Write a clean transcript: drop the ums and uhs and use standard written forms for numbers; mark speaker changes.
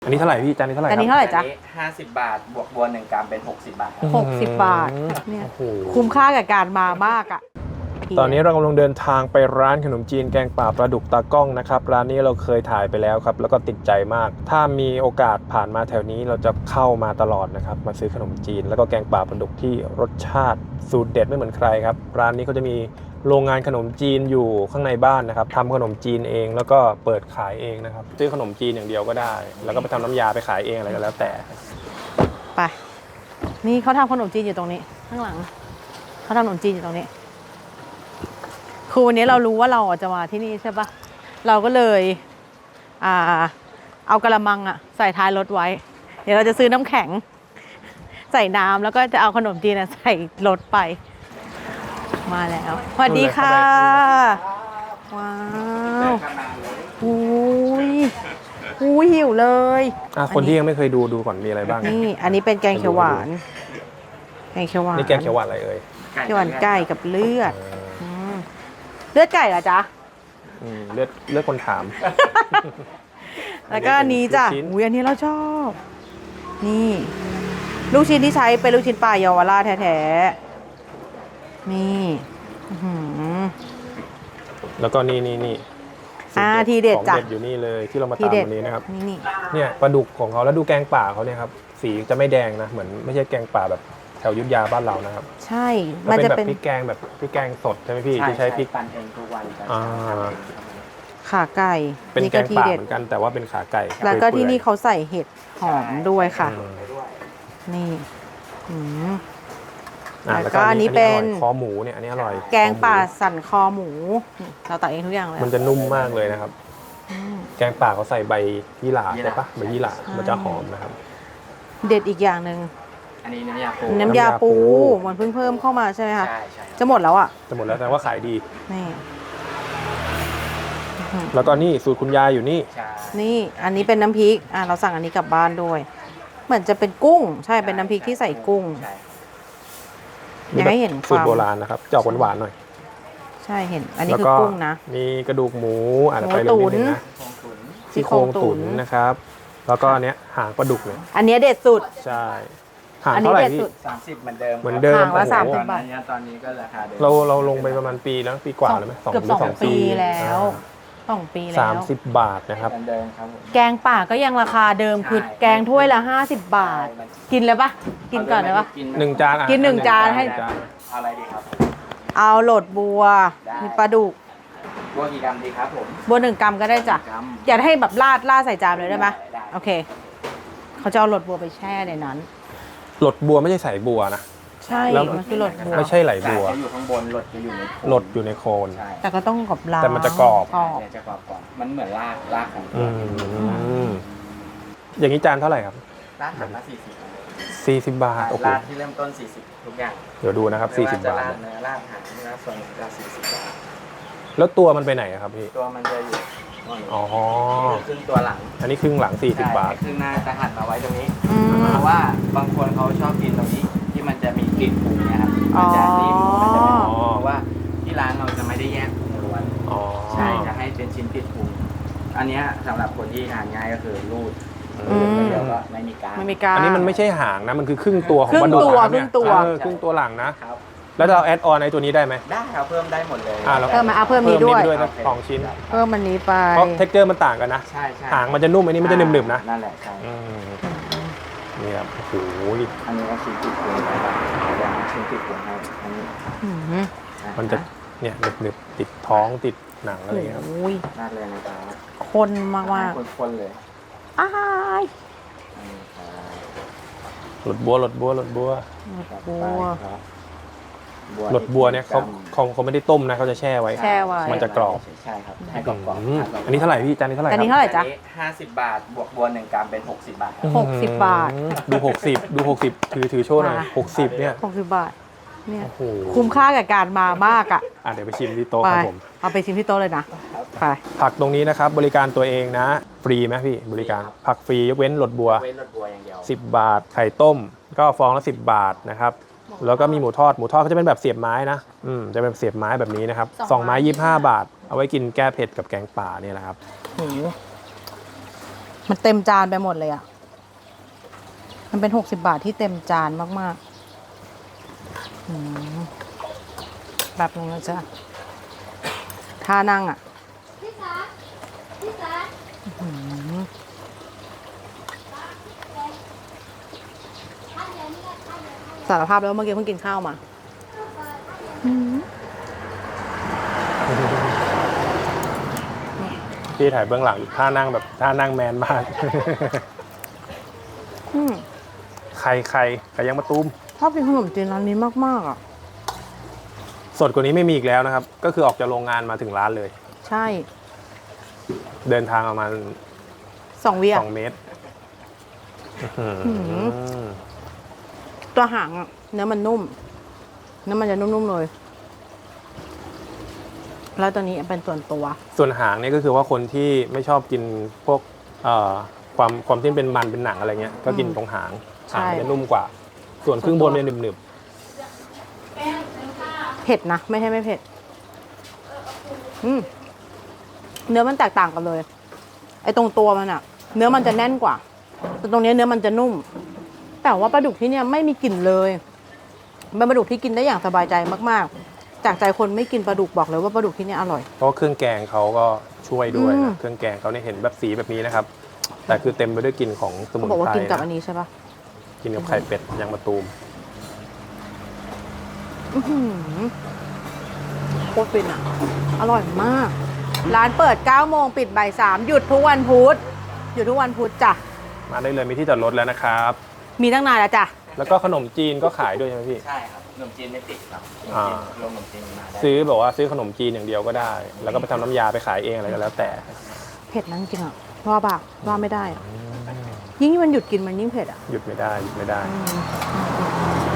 Speaker 1: อันนี้เท่าไหร่พี่จานนี้เท่าไหร่ครับ
Speaker 2: อันนี้เท่าไหร่จ๊ะ
Speaker 3: 50 บาทบวกบัว1 กรัมเป็น60 บาทครับ
Speaker 2: 60 บาทเนี่ยคุ้มค่ากับการมามากอ่ะ
Speaker 1: ตอนนี้เรากำลังเดินทางไปร้านขนมจีนแกงป่าปลาดุกตากล้องนะครับร้านนี้เราเคยถ่ายไปแล้วครับแล้วก็ติดใจมากถ้ามีโอกาสผ่านมาแถวนี้เราจะเข้ามาตลอดนะครับมาซื้อขนมจีนแล้วก็แกงป่าปลาดุกที่รสชาติสูตรเด็ดไม่เหมือนใครครับร้านนี้เขาจะมีโรงงานขนมจีนอยู่ข้างในบ้านนะครับทำขนมจีนเองแล้วก็เปิดขายเองนะครับซื้อขนมจีนอย่างเดียวก็ได้แล้วก็ไปทำน้ำยาไปขายเองอะไรก็แล้วแต่
Speaker 2: ไปนี่เขาทำขนมจีนอยู่ตรงนี้ข้างหลังเขาทำขนมจีนอยู่ตรงนี้คือวันนี้เรารู้ว่าเราจะมาที่นี่ใช่ปะเราก็เลยเอากระมังใส่ท้ายรถไว้เดี๋ยวเราจะซื้อน้ำแข็งใส่น้ำแล้วก็จะเอาขนมจีนใส่รถไปมาแล้วสวัสดีค่ะว้าวอุ้ยหิวเลย
Speaker 1: คนที่ยังไม่เคยดูก่อนมีอะไรบ้าง
Speaker 2: นี่อันนี้เป็นแกงเขียวหวานแกงเขียวหวาน
Speaker 1: นี่แกงเขียวหวานอะไรเอ่ย
Speaker 2: เขียวหวานไก่กับเลือดเลือดไก่เหรอจ๊ะ
Speaker 1: เลือดคนถาม
Speaker 2: แล้วก็อันนี้จ้ะอุ้ยอันนี้เราชอบนี่ลูกชิ้นที่ใช้เป็นลูกชิ้นปลาเยาวราชแท้ๆนี่
Speaker 1: แล้วก็นี่
Speaker 2: ทีเด็ดจ้ะ
Speaker 1: ของเด็ดอยู่นี่เลยที่เรามาตามวันนี้นะครับ
Speaker 2: นี่
Speaker 1: เนี่ยปลาดุกของเขาแล้วดูแกงป่าเขาเนี่ยครับสีจะไม่แดงนะเหมือนไม่ใช่แกงป่าแบบแถวยุทธยาบ้านเรานะครับ
Speaker 2: ใช่
Speaker 1: มันจะเป็นพริกแกงแบบพริกแกงสดใช่ไหมพี่ที่ใช้พริก
Speaker 3: ปั่นเองทุกวัน
Speaker 2: ขาไก่
Speaker 1: เป็นแกงป่าเหมือนกันแต่ว่าเป็นขาไก่
Speaker 2: แล้วก็ที่นี่เขาใส่เห็ดหอมด้วยค่ะนี่แล้วก็อันนี้เป็น
Speaker 1: คอหมูเนี่ยอันนี้อร่อย
Speaker 2: แกงป่าสันคอหมูเราตักเองทุกอย่างเลย
Speaker 1: มันจะนุ่มมากเลยนะครับแกงป่าเขาใส่ใบยี่หร่าใช่ปะใบยี่หร่ามันจะหอมนะครับ
Speaker 2: เด็ดอีกอย่างหนึ่ง
Speaker 3: อันนี้น้ำยาปู
Speaker 2: มันเพิ่งเพิ่มเข้ามาใช่ไหมคะ
Speaker 3: ใช่
Speaker 2: จะหมดแล้ว
Speaker 1: จะหมดแล้วแต่ว่าขายดี
Speaker 2: นี่
Speaker 1: แล้วก็นี่สูตรคุณยายอยู่นี่
Speaker 2: นี่อันนี้เป็นน้ำพริกเราสั่งอันนี้กลับบ้านด้วยเหมือนจะเป็นกุ้งใช่เป็นน้ำพริกที่ใส่กุ้งอยากให้เห็น
Speaker 1: สูตรโบราณนะครับจะออกหวานๆหน่อย
Speaker 2: ใช่เห็นอันนี้คือกุ้งนะ
Speaker 1: มีกระดูกหมูไปเลยนิดนึงนะซี่โครงตุ๋นนะครับแล้วก็อันเนี้ยหางปลาดุกเลย
Speaker 2: อันนี้เด็ดสุด
Speaker 1: ใช่หางเท่าไหร่พี่
Speaker 3: 30เหมือนเดิม
Speaker 2: หางละ30 บาท
Speaker 3: ตอนนี้ก็ราคาเดิม
Speaker 1: เราลงไปประมาณปีแล้วปีกว่าแล้วไหม
Speaker 2: เกือบ2 ปีแล้ว2 ปีแล้ว
Speaker 1: 30 บาทนะครับ
Speaker 2: แกงป่าก็ยังราคาเดิมคือแกงถ้วยละ50 บาทกินเลยปะกินก่อนเลยปะ
Speaker 1: 1 จาน
Speaker 2: กิน1 จานให้
Speaker 3: อะไรดีครับ
Speaker 2: เอาโหลดบัวมีปลาดุก
Speaker 3: บัวกี่กรัมดีครับผม
Speaker 2: บัว1 กรัมก็ได้จ้ะอยากให้แบบราดใส่จานเลยได้ไหมโอเคเขาจะเอาโหลดบัวไปแช่ในนั้น
Speaker 1: โหลดบัวไม่ใช่ใส่บัวนะ
Speaker 2: ใช่มันคือโหลดบัว
Speaker 1: ไม่ใช่ไหลบัว
Speaker 3: อยู่ข้างบนโหลดจะอยู่ใน
Speaker 1: โหลดอยู่ในโคน
Speaker 2: แต่ก็ต้องกรอบล้าง
Speaker 1: แต่มันจะกรอบ
Speaker 3: จะกรอบก่อนมันเหมือนรากของ
Speaker 1: อย่างนี้จานเท่าไหร่ครับ
Speaker 3: รากละ
Speaker 1: 40 บาทโอ้โห
Speaker 3: รากที่เริ่มต้น40ทุกอย่าง
Speaker 1: เดี๋ยวดูนะครับ40 บาท
Speaker 3: รากเนื้อรากหางรากส่วนราก40 บาท
Speaker 1: แล้วตัวมันไปไหนครับพี่
Speaker 3: ตัวมันจะอยู่ครึ่งตัวหลัง
Speaker 1: อันนี้ครึ่งหลัง40 บาท
Speaker 3: ครึ่งหน้าจะหั่นมาไว้ตรงนี้เพราะว่าบางคนเขาชอบกินตรงนี้ที่มันจะมีกลิ่นปรุงนะครับมันจะนิ่มมันจะไม่หอมเพราะว่าที่ร้านเราจะไม่ได้แยกปรุงล้วนใช่จะให้เป็นชิ้นติดปรุงอันนี้สำหรับคนที่ทานง่ายก็คือรูดเดี๋ยวก็ไม่มีการ
Speaker 1: อันนี้มันไม่ใช่หางนะมันคือครึ่งตัวของปลาดุก
Speaker 2: ครึ่ง
Speaker 1: ตัวหลังนะแล้วเราแอดออนในตัวนี้ได้ไหม
Speaker 3: ได้ครับเพิ่มได้หมดเลย
Speaker 2: เพิ่มมาเพิ่มนี้ด้วย
Speaker 1: 2 ชิ้น
Speaker 2: เพิ่มมันนี้ไป
Speaker 1: เพราะเท็กเจอร์มันต่างกันนะหางมันจะนุ่มอันนี้มันจะหนึบๆนะ
Speaker 3: นั่นแหละใช่
Speaker 1: นี่ครับโอ้โห
Speaker 3: อันนี้ก็ชิ้นติดปรุงนะครับชิ้นติดปรุงให้อันนี้
Speaker 1: มันจะเนี่ยหนึบๆติดท้องติดหนังอะไรครับ
Speaker 3: น่าเลยนะครับ
Speaker 2: คนมาก
Speaker 3: คนเลย
Speaker 1: หลดบัวหลดบัวเนี่ยเขาไม่ได้ต้มนะเขาจะแช่ไว้มันจะกรอบ
Speaker 3: ใช่ครับให้กรอบ
Speaker 1: อันนี้เท่าไหร่พี่จานนี้เท่าไหร่
Speaker 2: อันนี้เท่าไหร่จ๊ะ
Speaker 3: 50 บาทบวกบัว1 กรัมเป็น60 บาท
Speaker 2: 60 บาท
Speaker 1: ดู60ถือโชว์หน่อย60เนี่ย
Speaker 2: 60 บาทเนี่ยคุ้มค่ากับการมามาก
Speaker 1: เดี๋ยวไปชิมที่โต๊ะครับผม
Speaker 2: เอาไปชิมที่โต๊ะเลยนะไป
Speaker 1: ผักตรงนี้นะครับบริการตัวเองนะฟรีไหมพี่บริการผักฟรียกเว้นหลดบัว
Speaker 3: อย่างเดียว
Speaker 1: 10 บาทไข่ต้มก็ฟองละ10 บาทนะครับแล้วก็มีหมูทอดก็จะเป็นแบบเสียบไม้นะจะเป็นเสียบไม้แบบนี้นะครับ2 ไม้25 บาทเอาไว้กินแก้เผ็ดกับแกงป่าเนี่ยแหละครับ
Speaker 2: มันเต็มจานไปหมดเลยอ่ะ มันเป็น60 บาทที่เต็มจานมากๆแบบนึงนะจ๊ะท่านั่งอ่ะสารภาพแล้วเมื่อกี้เพิ่งกินข้าวมา
Speaker 1: พี่ถ่ายเบื้องหลังท่านั่งแบบท่านั่งแมนมาก ใครยังมาตูม
Speaker 2: ชอบกินขนมจีนร้านนี้มากๆอ่ะ
Speaker 1: สดกว่านี้ไม่มีอีกแล้วนะครับ ก็คือออกจากโรงงานมาถึงร้านเลย
Speaker 2: ใช่
Speaker 1: เดินทางประมาณ
Speaker 2: 2 วิอ่ะ
Speaker 1: 2 เมตร
Speaker 2: ตัวหางอ่ะเนื้อมันนุ่ม เนื้อมันจะนุ่มๆเลย แล้วตัวนี้เป็นส่วนตัว
Speaker 1: ส่วนหางเนี่ยก็คือว่าคนที่ไม่ชอบกินพวกความที่เป็นมันเป็นหนังอะไรเงี้ย ก็กินตรงหาง
Speaker 2: ใช่
Speaker 1: หางจะนุ่มกว่า ส่วนครึ่งบนเนี่ยหนึบ
Speaker 2: เผ็ดนะ ไม่ใช่ไม่เผ็ดเนื้อมันแตกต่างกันเลย ไอ้ตรงตัวมันอะเนื้อมันจะแน่นกว่า แต่ตรงนี้เนื้อมันจะนุ่ม แต่ว่าปลาดุกที่เนี่ยไม่มีกลิ่นเลยเป็นปลาดุกที่กินได้อย่างสบายใจมากๆ จากใจคนไม่กินปลาดุกบอกเลยว่าปลาดุกที่เนี่ยอร่อย
Speaker 1: ๆเพราะว่าเครื่องแกงเขาก็ช่วยด้วย
Speaker 2: อืม
Speaker 1: นะเครื่องแกงเขาเนี่ยเห็นแบบสีแบบนี้นะครับ แต่คือเต็มไปด้วยกลิ่นของสมุ
Speaker 2: เขา
Speaker 1: น
Speaker 2: บอกว่า
Speaker 1: ไพร
Speaker 2: กินกับอั
Speaker 1: นะ
Speaker 2: นนี้ใช่ปะ
Speaker 1: กินกับไข่เป็ดยางมะตูม
Speaker 2: โคตรฟินอ่ะ อร่อยมาก ร้านเปิด 9 โมงปิดบ่าย 3 หยุดทุกวันพุธหยุดทุกวันพุธจ้ะ
Speaker 1: มาได้เลยมีที่จอดรถแล้วนะครับ
Speaker 2: มีตั้งนานแล้วจ้ะ
Speaker 1: แล้วก็ขนมจีนก็ขายด้วยใช่ไหมพี่
Speaker 3: ใช่ครับขนมจีนไม่ติดครับขนมจีนมาได้
Speaker 1: ซื้อแบบว่าซื้อขนมจีนอย่างเดียวก็ได้ แล้วก็ไปทำน้ำยาไปขายเองอะไรก็แล้วแต่
Speaker 2: เผ็ดนะจริงๆอ่ะว่าบากว่าไม่ได้อะยิ่งมันหยุดกินมันยิ่งเผ็ดอ่ะ
Speaker 1: หยุดไม่ได้หยุดไม่ได้
Speaker 2: อืม